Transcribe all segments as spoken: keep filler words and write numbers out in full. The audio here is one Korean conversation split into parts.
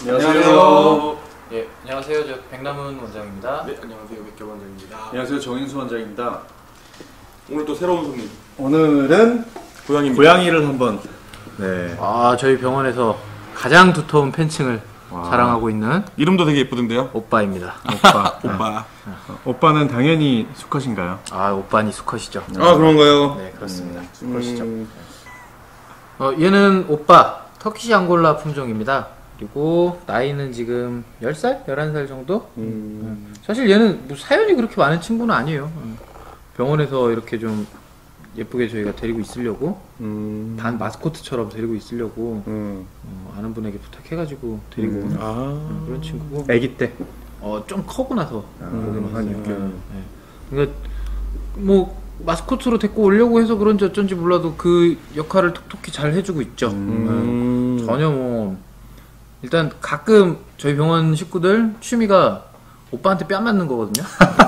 안녕하세요. 예, 안녕하세요. 저 백남훈 원장입니다. 네, 안녕하세요. 백겸 원장입니다. 안녕하세요. 정인수 원장입니다. 오늘 또 새로운 손님. 오늘은 고양이입니다. 고양이를 한번. 네. 아, 저희 병원에서 가장 두터운 팬층을 와. 자랑하고 있는 이름도 되게 예쁘던데요? 오빠입니다. 오빠. 오빠. 어, 오빠는 당연히 수컷인가요? 아, 오빠니 수컷이죠. 아, 그런가요? 네, 그렇습니다. 음, 수컷이죠. 음, 어, 얘는 오빠 터키시 앙골라 품종입니다. 그리고 나이는 지금 열 살? 열한 살 정도? 음, 사실 얘는 뭐 사연이 그렇게 많은 친구는 아니에요. 음. 병원에서 이렇게 좀 예쁘게 저희가 데리고 있으려고 음, 단 마스코트처럼 데리고 있으려고 음. 어, 아는 분에게 부탁해가지고 데리고 음. 온 아, 그런 친구고 아기 때. 어, 좀 커고 나서 음, 한 육 개월. 네. 그러니까 뭐 마스코트로 데리고 오려고 해서 그런지 어쩐지 몰라도 그 역할을 톡톡히 잘 해주고 있죠. 음. 네. 전혀 뭐 일단 가끔 저희 병원 식구들 취미가 오빠한테 뺨 맞는 거거든요.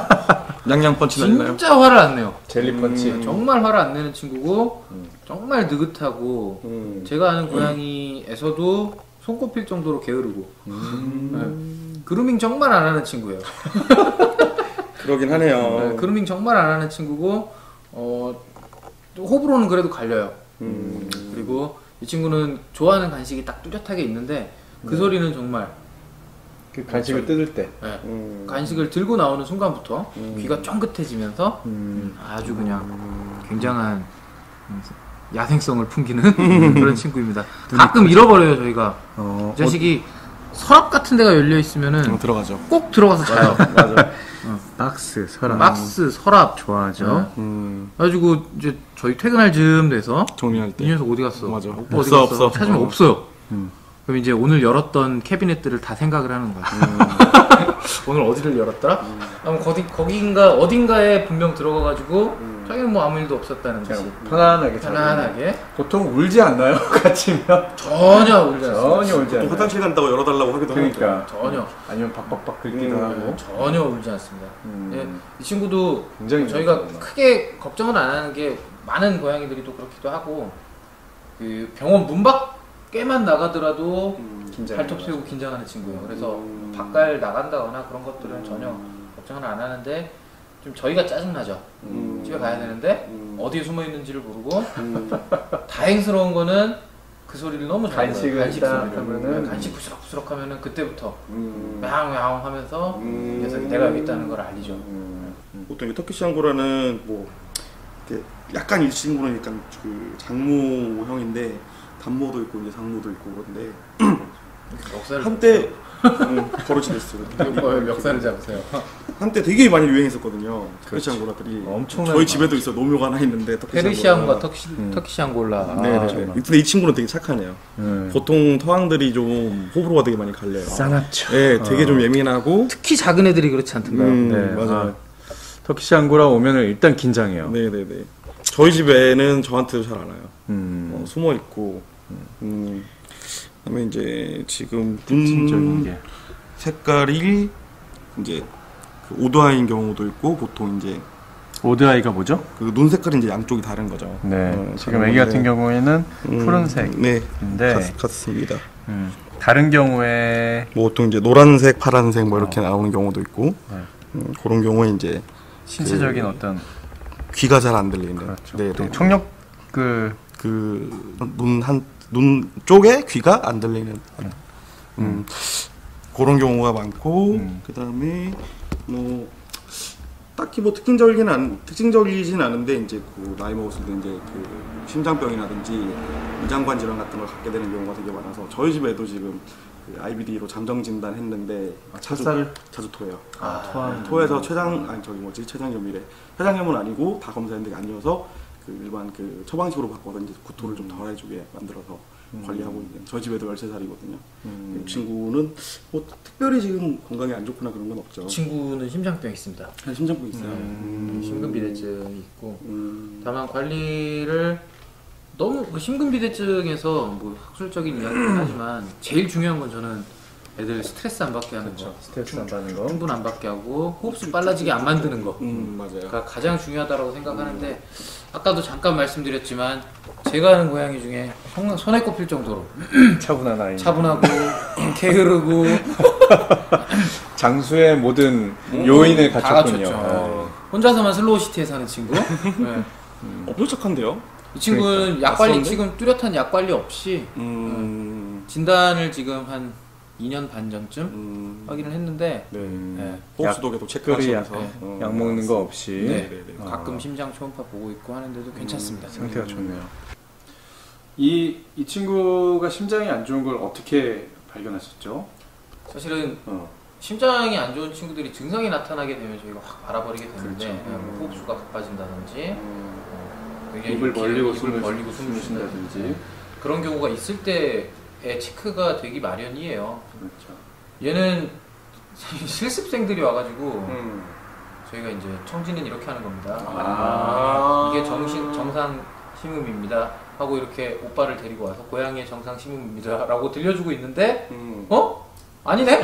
양양 펀치 날리나요? 진짜 화를 안 내요. 젤리 펀치. 음, 정말 화를 안 내는 친구고 음. 정말 느긋하고 음. 제가 아는 고양이에서도 손꼽힐 정도로 게으르고 음. 네. 그루밍 정말 안 하는 친구예요. 그러긴 하네요. 네, 그루밍 정말 안 하는 친구고 어, 또 호불호는 그래도 갈려요. 음. 그리고 이 친구는 좋아하는 간식이 딱 뚜렷하게 있는데 그 소리는 정말 그 간식을 뜯을 때. 네, 음. 간식을 들고 나오는 순간부터 음. 귀가 쫑긋해지면서 음. 아주 그냥 굉장한 야생성을 풍기는 그런 친구입니다. 가끔 잃어버려요 저희가. 어, 이 자식이 서랍 같은 데가 열려 있으면은 어, 들어가죠. 꼭 들어가서 자요. 맞아. 박스, 서랍. 박스, 서랍 좋아하죠. 네. 음. 그래가지고 이제 저희 퇴근할 즈음 돼서 정리할 이 때. 녀석 어디 갔어? 맞아. 오빠 없어, 어디 갔어? 없어. 찾으면 어. 없어요. 음. 그럼 이제 오늘 열었던 캐비넷들을 다 생각을 하는 거야. 오늘 어디를 열었더라? 아마 거기 거기인가 어딘가에 분명 들어가가지고 자기는 뭐 아무 일도 없었다는 듯이 그냥 편안하게. 편안하게 보통 울지 않나요? 같이면? 전혀 울지 않습니다. 전혀 울지 또 않아요. 화장실 간다고 열어달라고 하기도 하고. 그러니까. 전혀 아니면 박박박 긁기도 음. 하고. 전혀 울지 않습니다. 음. 예, 이 친구도 굉장히 저희가 좋구나. 크게 걱정은 안 하는 게 많은 고양이들이 또 그렇기도 하고 그 병원 문 밖에만 나가더라도 음. 긴장. 발톱 세우고 긴장하는 친구예요. 그래서 음. 바깥 나간다거나 그런 것들은 전혀 걱정을 안 하는데 좀 저희가 짜증나죠. 음. 집에 가야 되는데 음. 어디에 숨어 있는지를 모르고 음. 다행스러운 거는 그 소리를 너무 잘 간식을 들어요. 간식 딱 소리를. 하면은 네, 간식 부스럭부스럭 하면은 그때부터 음. 야옹야옹 하면서 음. 이 녀석이 내가 여기 있다는 걸 알리죠. 음. 보통 이 터키시 앙고라는 뭐 이렇게 약간 이 친구는 약간 그 장모형인데 단모도 있고 이제 장모도 있고 그런데 역사를 한때 음, 버릇이 됐어요. 뭐 역사를 잡으세요. 한때 되게 많이 유행했었거든요. 터키시 앙고라들이 엄청나게 저희 집에도 있어 노묘가 하나 있는데 터키시 페르시안과 앙고라. 터키, 음. 터키시 앙골라. 네, 아, 네. 정말. 근데 이 친구는 되게 착하네요. 음. 보통 터왕들이 좀 호불호가 되게 많이 갈려요. 싸납죠. 네, 되게 좀 예민하고. 특히 작은 애들이 그렇지 않던가요? 음, 네, 맞아요. 터키시 앙고라 오면은 일단 긴장해요. 네, 네, 네. 저희 집에는 저한테도 잘 안 와요. 음. 어, 숨어 있고. 음. 그다음에 이제 지금 특징적인 눈 게. 색깔이 이제 그 오드아이인 경우도 있고 보통 이제 오드아이가 뭐죠? 그 눈 색깔이 이제 양쪽이 다른 거죠. 네. 어, 지금 다른 애기 같은 건데. 경우에는 음, 푸른색인데 네, 같, 같습니다. 음, 다른 경우에 뭐 보통 이제 노란색, 파란색 뭐 이렇게 나오는 경우도 있고 네. 음, 그런 경우에 이제 신체적인 그 어떤 귀가 잘 안 들리는. 그렇죠. 네, 또 네. 청력 그 그눈 한 눈 쪽에 귀가 안 들리는. 음, 그런 경우가 많고 음. 그 다음에 뭐 딱히 뭐 특징적이긴 안 특징적이진 않은데 이제 그 나이 먹었을 때 이제 그 심장병이라든지 위장관 질환 같은 걸 갖게 되는 경우가 되게 많아서 저희 집에도 지금 그 아이비디로 잠정 진단했는데 자주 찰사를? 자주 토해요. 아, 토하는 토해서 췌장 아니 저기 뭐지 췌장염이래. 췌장염은 아니고 다 검사했는데 아니어서 그 일반 그 처방식으로 바꿔서 이제 구토를 좀 덜해주게 만들어서 음. 관리하고 있는. 저희 집에도 열세 살이거든요. 음. 이 친구는 뭐 특별히 지금 건강이 안 좋거나 그런 건 없죠. 친구는 심장병 있습니다. 아, 심장병 있어요. 음, 심근비대증이 있고 음. 다만 관리를 너무 그 심근비대증에서 뭐 학술적인 이야기긴 하지만 제일 중요한 건 저는 애들 스트레스 안 받게 하는 거, 스트레스 안 받는 거. 충분 안 받게 하고 호흡수 빨라지게 안 만드는 거. 음 맞아요. 가 가장 중요하다고 생각하는데 아까도 잠깐 말씀드렸지만 제가 아는 고양이 중에 형- 손에 꼽힐 정도로 차분한 아이. 차분하고 게으르고 장수의 모든 요인을 다 갖췄군요. 갖췄죠. 혼자서만 슬로우시티에 사는 친구. 네. 엄청 착한데요? 이 친구는 그러니까. 약 관리 낯선데? 지금 뚜렷한 약 관리 없이 음, 진단을 지금 한 이 년 반 전쯤 음, 확인을 했는데 네. 네. 호흡수도 계속 특별히 약, 체크하시면서 어, 약 먹는 거 없이 네. 네, 네. 아. 가끔 심장 초음파 보고 있고 하는데도 괜찮습니다. 상태가 음. 좋네요. 이, 이 친구가 심장이 안 좋은 걸 어떻게 발견하셨죠? 사실은 어. 심장이 안 좋은 친구들이 증상이 나타나게 되면 저희가 확 알아버리게 되는데 그렇죠. 네, 뭐 호흡수가 가빠진다든지 음, 어, 굉장히 입을 입 벌리고 입을 숨을 벌리고 숨을 숨을 쉰다든지 쉰다든지. 그런 경우가 있을 때의 체크가 되기 마련이에요. 그렇죠. 얘는 실습생들이 와가지고 음. 저희가 이제 청진은 이렇게 하는 겁니다. 아. 이게 정신 정상 심음입니다. 하고 이렇게 오빠를 데리고 와서 고양이의 정상 심음입니다라고 들려주고 있는데 음. 어? 아니네?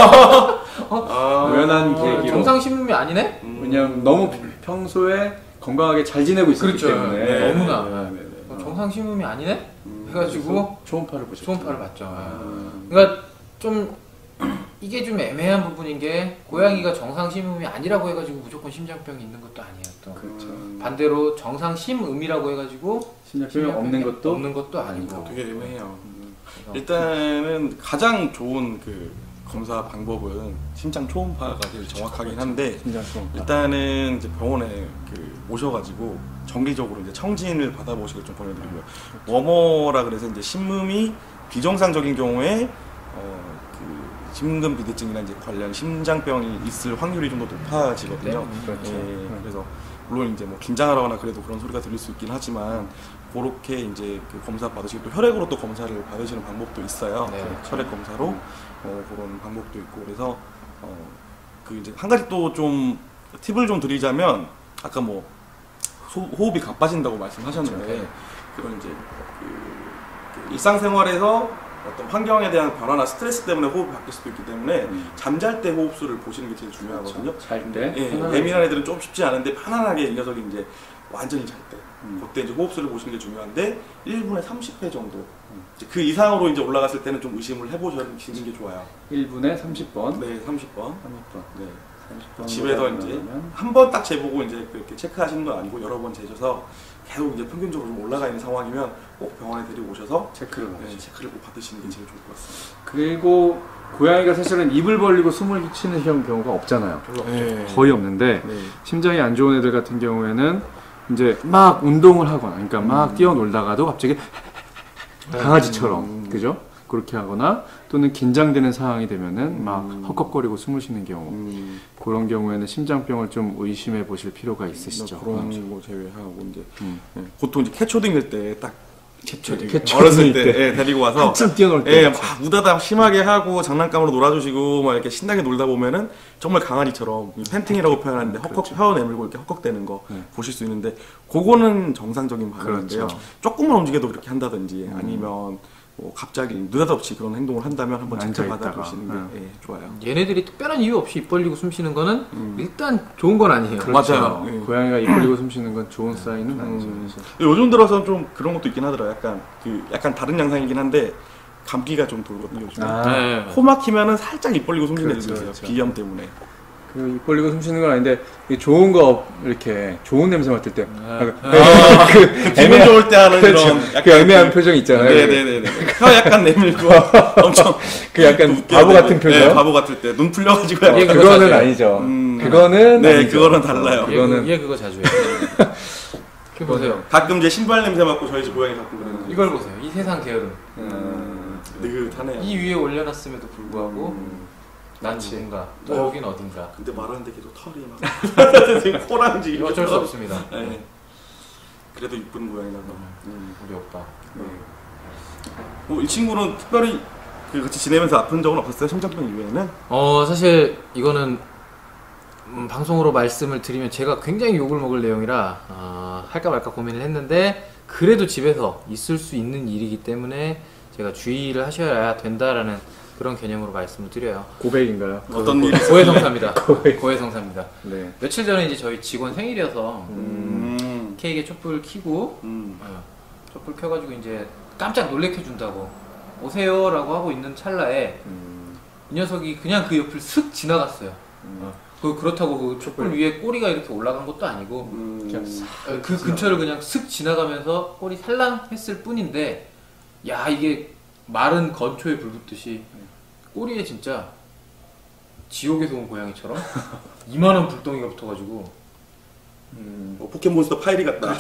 아. 우연한 어, 계기로. 정상 심음이 아니네? 음. 왜냐면 너무 평소에 건강하게 잘 지내고 있었기 그렇죠. 때문에 네, 너무나. 네, 네, 네. 어, 정상 심음이 아니네? 음. 해가지고 초음파를 보셨죠. 초음파를 봤죠. 음. 그러니까 좀 이게 좀 애매한 부분인 게 고양이가 정상 심음이 아니라고 해가지고 무조건 심장병이 있는 것도 아니에요. 또 그렇죠. 음. 반대로 정상 심음이라고 해가지고 심장병이 없는 것도 없는 것도 아니고. 되게 애매해요. 그래서 일단은 가장 좋은 그 검사 방법은 심장 초음파가 제일 정확하긴 한데 심장 초음파. 일단은 이제 병원에 그 오셔가지고 정기적으로 이제 청진을 받아보시길 좀 권해드리고요. 워머라 그래서 이제 심음이 비정상적인 경우에 어 그 심근 비대증이나 이제 관련 심장병이 있을 확률이 좀 더 높아지거든요. 네, 그렇죠. 예, 그래서 물론 이제 뭐 긴장하거나 그래도 그런 소리가 들릴 수 있긴 하지만 그렇게 이제 그 검사 받으시고 또 혈액으로 또 검사를 받으시는 방법도 있어요. 네. 혈액 검사로 어, 그런 방법도 있고 그래서 어, 그 이제 한 가지 또 좀 팁을 좀 드리자면 아까 뭐 소- 호흡이 가빠진다고 말씀하셨는데 그렇죠. 그런 이제 그, 그 일상생활에서 어떤 환경에 대한 변화나 스트레스 때문에 호흡이 바뀔 수도 있기 때문에 음. 잠잘 때 호흡수를 보시는 게 제일 중요하거든요. 잘 때. 예, 편안하게. 예민한 애들은 좀 쉽지 않은데 편안하게 이 녀석이 이제 완전히 잘 때, 음. 그때 이제 호흡수를 보시는 게 중요한데 일 분에 삼십 회 정도. 이제 그 이상으로 이제 올라갔을 때는 좀 의심을 해보시는 게 좋아요. 일 분에 삼십 번. 네, 삼십 번. 삼십 번. 네. 삼십 번. 집에서 이제 한 번 딱 재보고 이제 그렇게 체크하시는 건 아니고 여러 번 재셔서 계속 이제 평균적으로 좀 올라가 있는 상황이면 꼭 병원에 데리고 오셔서 체크를 네, 받으시죠. 체크를 꼭 받으시는 게 제일 좋을 것 같습니다. 그리고 고양이가 사실은 입을 벌리고 숨을 쉬는 경우가 없잖아요. 별로 없죠. 네. 거의 없는데 네. 심장이 안 좋은 애들 같은 경우에는 이제 막 운동을 하거나 그러니까 막 뛰어놀다가도 갑자기 강아지처럼 음. 그죠? 그렇게 하거나 또는 긴장되는 상황이 되면은 막 음. 헉헉거리고 숨을 쉬는 경우 음, 그런 경우에는 심장병을 좀 의심해 보실 필요가 있으시죠. 그런 거 제외하고 이제 음. 네, 보통 이제 캣초딩일 때딱 캣초딩. 어렸을 캣초딩일 때, 때. 예, 데리고 와서 한참 뛰어놀 때. 예, 막 우다다 심하게 하고 장난감으로 놀아주시고 막 이렇게 신나게 놀다 보면은 정말 강아지처럼 이 팬팅이라고 표현하는데 헉헉 혀 내밀고 이렇게 헉헉대는 거 네. 보실 수 있는데 그거는 정상적인 반응인데요. 그렇죠. 조금만 움직여도 그렇게 한다든지 아니면 뭐 갑자기 느닷없이 그런 행동을 한다면 한번 체크 앉아있다가. 받아보시는 게 네. 예, 좋아요. 얘네들이 특별한 이유 없이 입 벌리고 숨 쉬는 거는 음. 일단 좋은 건 아니에요. 그렇죠. 맞아요. 예. 고양이가 입 벌리고 숨 쉬는 건 좋은 사인은 아니죠. 음. 사실. 요즘 들어서 좀 그런 것도 있긴 하더라고요. 약간 그 약간 다른 양상이긴 한데 감기가 좀 돌거든요. 요즘. 아, 네. 코 막히면은 살짝 입 벌리고 숨쉬는 그렇죠, 애들 있어요. 그렇죠. 비염 때문에. 그입 벌리고 숨 쉬는 건 아닌데 이게 좋은 거 이렇게 좋은 냄새 맡을 때 약간 아, 그 기분 좋을 때 하는 그렇죠. 그런 그 애매한 표정 있잖아요. 네네네네. 혀 약간 내밀고 엄청 그 약간 웃겨야 바보 되고. 같은 표정. 네, 바보 같을 때 눈 풀려가지고 약간. 예, 그거 그거는 사실- 아니죠. 음. 그거는 네, 아니죠. 그거는 달라요. 얘, 그거는- 그- 얘 그거 자주 해요. 그 보세요. 가끔 이제 신발 냄새 맡고 저희 집 고양이 가끔 그러는 거. 이걸 보세요. 이 세상 게으름. 음, 느긋하네요. 이 위에 올려놨음에도 불구하고 음. 난 누군가 또 어. 여긴 어딘가. 근데 말하는데 계속 털이 막 지금 코랑 지금 어쩔 수 없습니다. 네. 그래도 이쁜 고양이라서. 음, 우리 오빠. 네. 뭐, 이 친구는 특별히 그 같이 지내면서 아픈 적은 없었어요? 심장병 이외에는? 어 사실 이거는 음, 방송으로 말씀을 드리면 제가 굉장히 욕을 먹을 내용이라 어, 할까 말까 고민을 했는데 그래도 집에서 있을 수 있는 일이기 때문에 제가 주의를 하셔야 된다라는 그런 개념으로 말씀을 드려요. 고백인가요? 어떤 일이 고해성사입니다. 고해성사입니다. 네. 며칠 전에 이제 저희 직원 생일이어서 음. 케이크에 촛불 켜고 음. 어, 촛불 켜가지고 이제 깜짝 놀래켜 준다고 오세요라고 하고 있는 찰나에 음. 이 녀석이 그냥 그 옆을 슥 지나갔어요. 어. 그 그렇다고 그 촛불 위에 꼬리가 이렇게 올라간 것도 아니고 음. 그냥 어, 그 근처를 그냥 슥 지나가면서 꼬리 살랑했을 뿐인데 야 이게 마른 건초에 불 붙듯이 꼬리에 진짜 지옥에서 온 고양이처럼 이만한 불덩이가 붙어가지고 음. 어, 포켓몬스터 파이리 같다.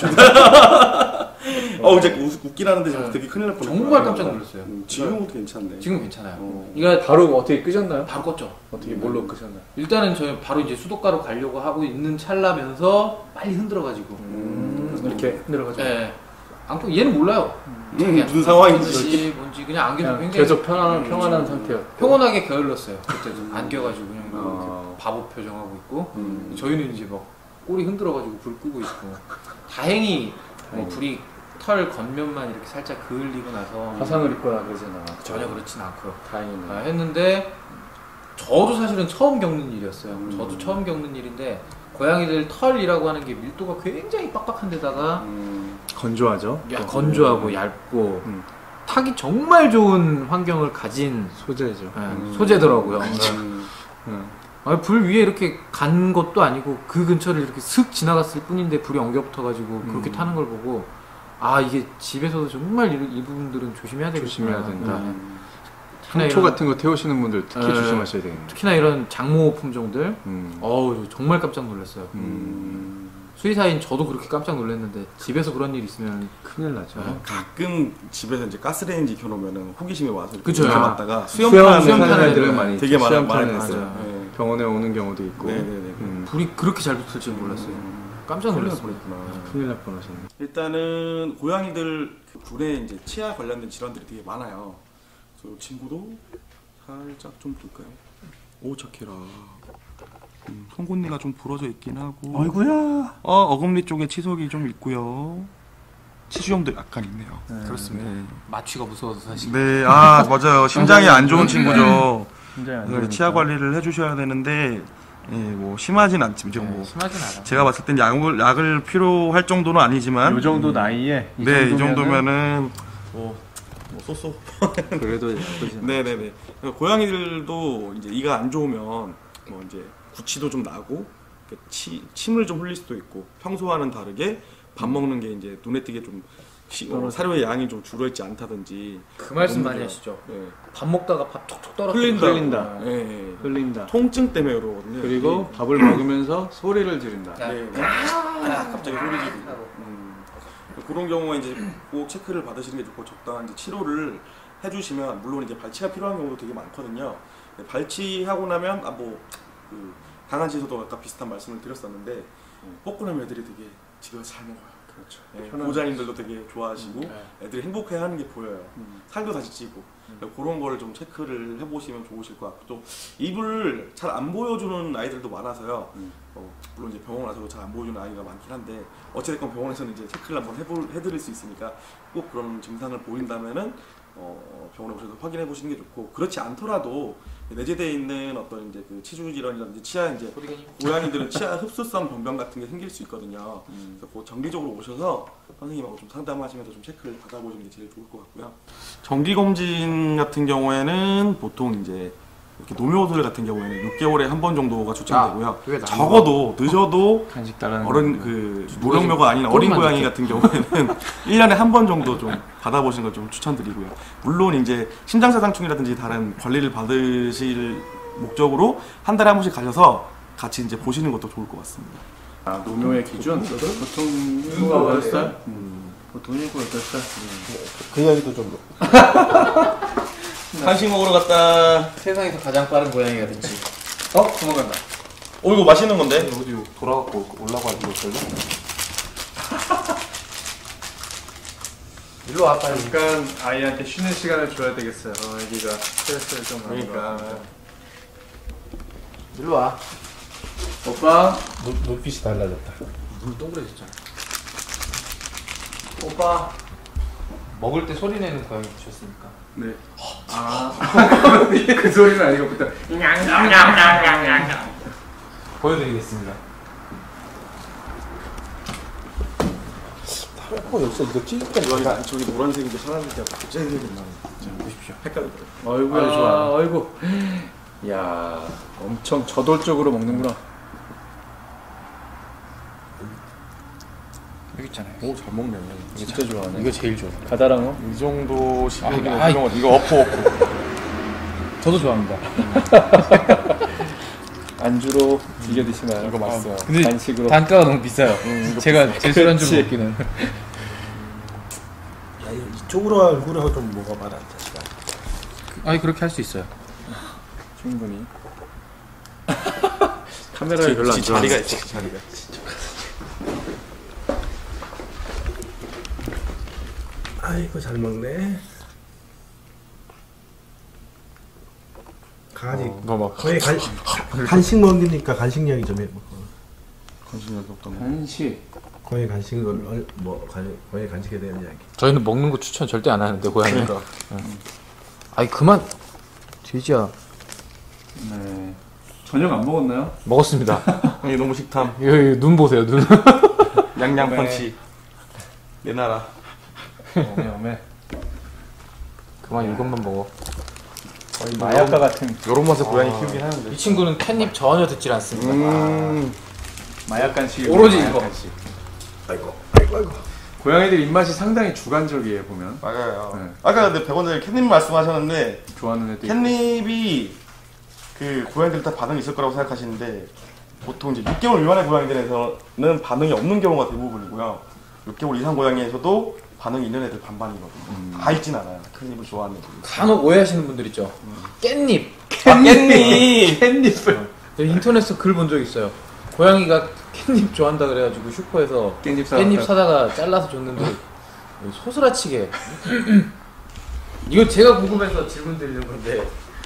어, 이제 웃- 웃기라는데 네. 되게 큰일 날 뻔했다. 정말 깜짝 놀랐어요. 음, 지금은 괜찮네. 지금 괜찮아요. 어. 그러니까 바로 어떻게 끄셨나요? 바로 껐죠. 어떻게 뭘로 끄셨나요? 일단은 저희 바로 이제 수도가로 가려고 하고 있는 찰나면서 빨리 흔들어가지고 음. 이렇게 흔들어가지고 예. 안고 얘는 몰라요. 음, 무슨 상황인지. 뭔지 뭔지 그냥 안겨서 그냥 굉장히 계속 편안한 평안한 상태였고 평온하게 게을렀어요. 그때도 안겨가지고 그냥 이렇게 아. 바보 표정하고 있고 음. 저희는 이제 막 꼬리 흔들어가지고 불 끄고 있고 다행히 뭐 다행히. 불이 털 겉면만 이렇게 살짝 그을리고 나서 화상을 입거나 그러진 않았죠. 전혀 그렇진 않고요. 다행이네. 아, 했는데 저도 사실은 처음 겪는 일이었어요. 음. 저도 처음 겪는 일인데 고양이들 털이라고 하는 게 밀도가 굉장히 빡빡한 데다가 음. 건조하죠. 야, 건조하고 얇고 음. 타기 정말 좋은 환경을 가진 소재죠. 예, 음. 소재더라고요. 음. 음. 아, 불 위에 이렇게 간 것도 아니고 그 근처를 이렇게 슥 지나갔을 뿐인데 불이 엉겨 붙어가지고 그렇게 음. 타는 걸 보고 아 이게 집에서도 정말 이, 이 부분들은 조심해야 되겠구나. 조심해야 된다. 음. 특히나 향초 이런- 같은 거 태우시는 분들 특히 네. 조심하셔야 되겠네요. 특히나 이런 장모 품종들 음. 어우 정말 깜짝 놀랐어요. 음. 수의사인 저도 그렇게 깜짝 놀랐는데 집에서 그런 일 있으면 큰일 나죠. 네. 가끔 집에서 이제 가스레인지 켜놓으면은 호기심이 와서 이렇게 그쵸. 켜놨다가 수영 수영 타는 타는 타는 애들은 애들 많이 되게 많아 수영 많이 타는 봤어요. 맞아요. 네. 병원에 오는 경우도 있고. 네네네. 음. 불이 그렇게 잘 붙을 줄 몰랐어요. 음. 깜짝 큰일 날 놀랐어요. 뻔했구나. 큰일 날 뻔하셨네. 일단은 고양이들 그 불에 이제 치아 관련된 질환들이 되게 많아요. 그래서 이 친구도 살짝 좀 볼까요? 오 착해라. 음, 송곳니가 좀 부러져 있긴 하고. 아이고야. 어 어금니 쪽에 치석이 좀 있고요. 치수염도 약간 있네요. 그렇습니다. 네. 마취가 무서워서 사실. 네, 아 맞아요. 심장이 안 좋은 친구죠. 굉장히 안 그래서 좋으니까. 치아 관리를 해주셔야 되는데, 예, 뭐 심하진 않지만 지금 뭐 심하진 않아. 제가 봤을 땐 약을 약을 필요할 정도는 아니지만, 요 정도 나이에 이 네, 이 정도면은 정도면은 뭐, 뭐 쏘쏘. 그래도 예쁘지. 네네네. 고양이들도 이제 이가 안 좋으면 뭐 이제 구취도 좀 나고 이렇게 치, 침을 좀 흘릴 수도 있고 평소와는 다르게 밥 먹는 게 이제 눈에 띄게 좀 시, 어, 사료의 양이 좀 줄어있지 않다든지 그 말씀 너무 많이 좋아요. 하시죠. 네. 밥 먹다가 밥 톡톡 떨어뜨려. 흘린다. 흘린다. 예, 예. 흘린다. 통증 때문에 그러거든요. 그리고 밥을 먹으면서 소리를 지른다. 네, 네. 아, 갑자기 소리 지르고. 음. 그런 경우에 이제 꼭 체크를 받으시는 게 좋고 적당한 이제 치료를 해주시면 물론 이제 발치가 필요한 경우도 되게 많거든요. 네, 발치하고 나면 아뭐 그 강아지에서도 아까 비슷한 말씀을 드렸었는데 뻐꾸남 애들이 되게 집에서 잘 먹어요. 그렇죠. 네, 편안하죠. 보호자님들도 되게 좋아하시고 네. 애들이 행복해하는 게 보여요. 음. 살도 다시 찌고 그런 거를 좀 체크를 해보시면 좋으실 것 같고 또 입을 잘 안 보여주는 아이들도 많아서요. 음. 어, 물론 이제 병원 와서도 잘 안 보여주는 아이가 많긴 한데 어찌됐건 병원에서는 이제 체크를 한번 해볼, 해드릴 수 있으니까 꼭 그런 증상을 보인다면은 어, 병원에 오셔서 확인해 보시는 게 좋고 그렇지 않더라도 내재되어 있는 어떤 이제 그 치주 질환이라든지 치아 이제 고양이들은 치아 흡수성 변병 같은 게 생길 수 있거든요. 음. 그래서 꼭 정기적으로 오셔서 선생님하고 좀 상담하시면서 좀 체크를 받아보시는 게 제일 좋을 것 같고요. 정기 검진 같은 경우에는 보통 이제 이렇게 노묘들 같은 경우에는 육 개월에 한 번 정도가 추천되고요. 그게 나은 적어도 늦어도 간식 따라는 어른 거. 그 노령묘가 아닌 어린 꼬리만 고양이 좋게. 같은 경우에는 일 년에 한 번 정도 좀 받아보시는 걸 좀 추천드리고요. 물론 이제 심장사상충이라든지 다른 관리를 받으실 목적으로 한 달에 한 번씩 가셔서 같이 이제 보시는 것도 좋을 것 같습니다. 아, 노묘의 기준? 보통 인구가 몇 살? 보통 인구가 몇 살? 그 이야기도 좀. 간식 먹으러 갔다. 세상에서 가장 빠른 고양이가 됐지. 어? 도망간다. 어 이거 맛있는 건데? 어디 돌아갖고 올라가지고 걸려? 일로 와 빨리. 잠깐 아이한테 쉬는 시간을 줘야 되겠어요. 어, 애기가 스트레스를 좀 많이 그러니까. 받으니까. 일로 와. 오빠, 눈, 눈빛이 달라졌다. 눈 동그래졌잖아. 오빠. 먹을 때 소리 내는 고양이 보셨습니까? 네. 아, 그 소리는 아니고 그때 보여드리겠습니다. 어, 여기서 이거 찔 때. 이거 안 저기 노란색인데 파란색이 갑자기 생각이 나네. 자 보십시오. 헷갈리더라고요. 어이구야 아, 좋아. 어이구. 야, 엄청 저돌적으로 먹는구나. 여기 있잖아요. 오, 잘 먹네. 진짜 좋아하네. 이거 제일 좋아. 가다랑어? 이 정도 시간이면 아, 이런 거 이거 어퍼 어퍼. 저도 좋아합니다. 안주로 즐겨 드시나요? 이거 맛있어요. 근데 간식으로. 단가가 너무 비싸요. 제가 제 술안주 그렇지. 먹기는. 야, 이쪽으로 얼굴하고 좀 먹어봐라. 자식아. 아니 그렇게 할 수 있어요. 충분히. 카메라에 별로 안 좋아. 자리가 있어 자리가. 아이고 잘 먹네. 강아지 뭐 막. 거의 간, 간식 먹으니까 간식 이야기 좀 해봐. 관심이 없던 거. 한식. 거의 간식을 얼- 뭐 간- 거의 간식에 대한 이야기. 저희는 먹는 거 추천 절대 안 하는데 고양이가. 아니 그만. 돼지야. 네. 저녁 안 먹었나요? 먹었습니다. 형이 너무 식탐. 여기 눈 보세요 눈. 양양 펀치. 내 나라. 어메 어메. 그만 이것만 먹어. 거의 마약과 같은 요런 맛에 고양이 키우긴 하는데. 이 친구는 캣닙 전혀 듣질 않습니다. 음. 마약 간식. 오로지 마약 이거. 간식. 아이고 아이고 아이고. 고양이들 입맛이 상당히 주관적이에요 보면. 맞아요. 네. 아까 근데 백 원 전에 캣닙 말씀하셨는데 좋아하는 애들. 캣닙이 그 고양이들 다 반응이 있을 거라고 생각하시는데 보통 이제 육 개월 미만의 고양이들에서는 반응이 없는 경우가 대부분이고요. 육 개월 이상 고양이에서도 반응이 있는 애들 반반이거든요. 음. 다 있진 않아요. 캣닙을 좋아하는 애들이. 간혹 오해하시는 분들 있죠. 깻잎. 깻잎! 깻잎을. 인터넷에서 글 본 적 있어요. 고양이가 깻잎 좋아한다 그래가지고 슈퍼에서 깻잎 깻잎 사다가 잘라서 줬는데 소스라치게. 이거 제가 궁금해서 질문 드리는 건데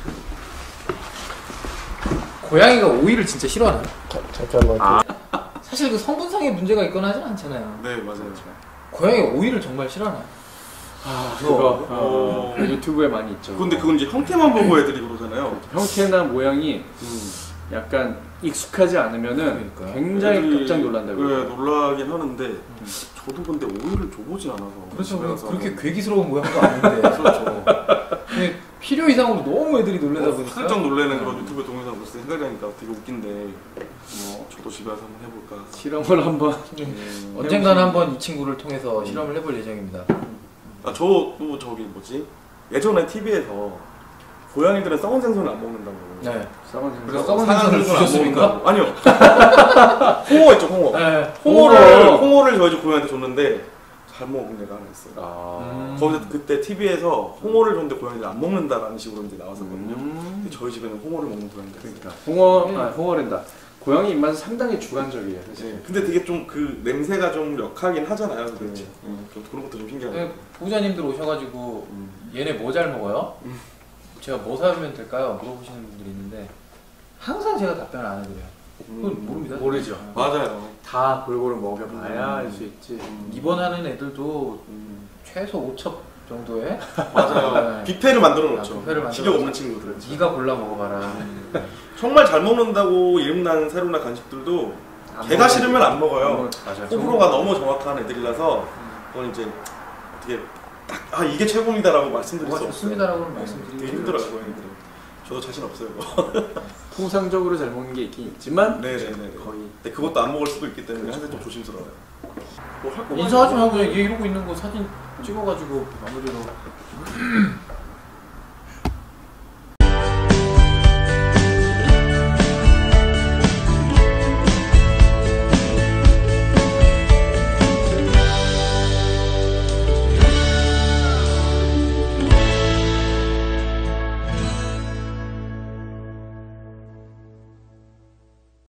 고양이가 오이를 진짜 싫어하나요? 잠깐만. 사실 그 성분상의 문제가 있거나 하진 않잖아요. 네, 맞아요. 고양이가 오이를 정말 싫어하나요? 아, 그거 어, 유튜브에 많이 있죠. 근데 그건 이제 형태만 보고 애들이 그러잖아요. 형태나 모양이 음. 약간 익숙하지 않으면은 그러니까요. 굉장히 애들이, 깜짝 놀란다고요. 네, 놀라긴 하는데 저도 근데 오이를 줘보진 않아서. 그렇죠. 집에 가서 그렇게 한번- 괴기스러운 모양도 아닌데. 그렇죠. 근데 필요 이상으로 너무 애들이 놀라다 어, 보니까. 살짝 놀래는 그런 유튜브 동영상 볼때 생각이 나니까 되게 웃긴데 뭐 저도 집에 가서 한번 해볼까. 실험을 한번. 음. 언젠가는 한번 이 친구를 통해서 실험을 해볼 예정입니다. 아, 저도 저기 뭐지? 예전에 티비에서 고양이들은 썩은 생선을 안 먹는다고. 네. 썩은 그래서 생선. 썩은 상한 생선을 생선을 안 주셨습니까? 먹는다고. 아니요. 홍어 있죠, 홍어. 네. 홍어를 홍어를 저희 집 고양이한테 줬는데 잘 먹은 애가 하나 있어요. 아. 음. 거기서 그때 티비에서 홍어를 줬는데 고양이들 안 먹는다라는 식으로 이제 나왔었거든요. 음. 근데 저희 집에는 홍어를 먹는 고양이가 있어요. 그러니까 홍어, 아, 홍어랜다. 고양이 입맛은 상당히 주관적이에요. 사실. 네. 근데 되게 좀 그 냄새가 좀 역하긴 하잖아요. 그렇지. 음, 좀 그런 것도 좀 신기하고. 네, 보호자님들 오셔가지고 음. 얘네 뭐 잘 먹어요? 제가 뭐 사면 될까요? 물어보시는 분들이 있는데 항상 제가 답변을 안 해드려요. 그건 모릅니다. 모르죠. 맞아요. 다 골고루 먹여봐야 알 수 음. 있지. 입원하는 애들도 음. 최소 오 첩 정도의 맞아요. 네. 뷔페를 만들어 아, 놓죠. 뷔페를 만들어 식욕 없는 놓죠. 친구들은. 네가 골라 먹어봐라. 정말 잘 먹는다고 이름난 새로나 간식들도 안 걔가 먹어요. 싫으면 안 먹어요. 맞아요. 호불호가 너무 정확한 애들이라서 그건 이제 어떻게 딱 아 이게 최고입니다라고 말씀드릴 수 뭐가 없어요. 좋습니다라고는 되게 말씀드리기 힘들어요 고양이들은. 저도 자신 없어요. 통상적으로 잘 먹는 게 있긴 있지만 네네네. 거의 근데 그것도 안 먹을 수도 있기 때문에 항상 좀 조심스러워요. 뭐 할 거 인사하지 말고 그냥 얘 이러고 있는 거 사진 찍어가지고 마무리로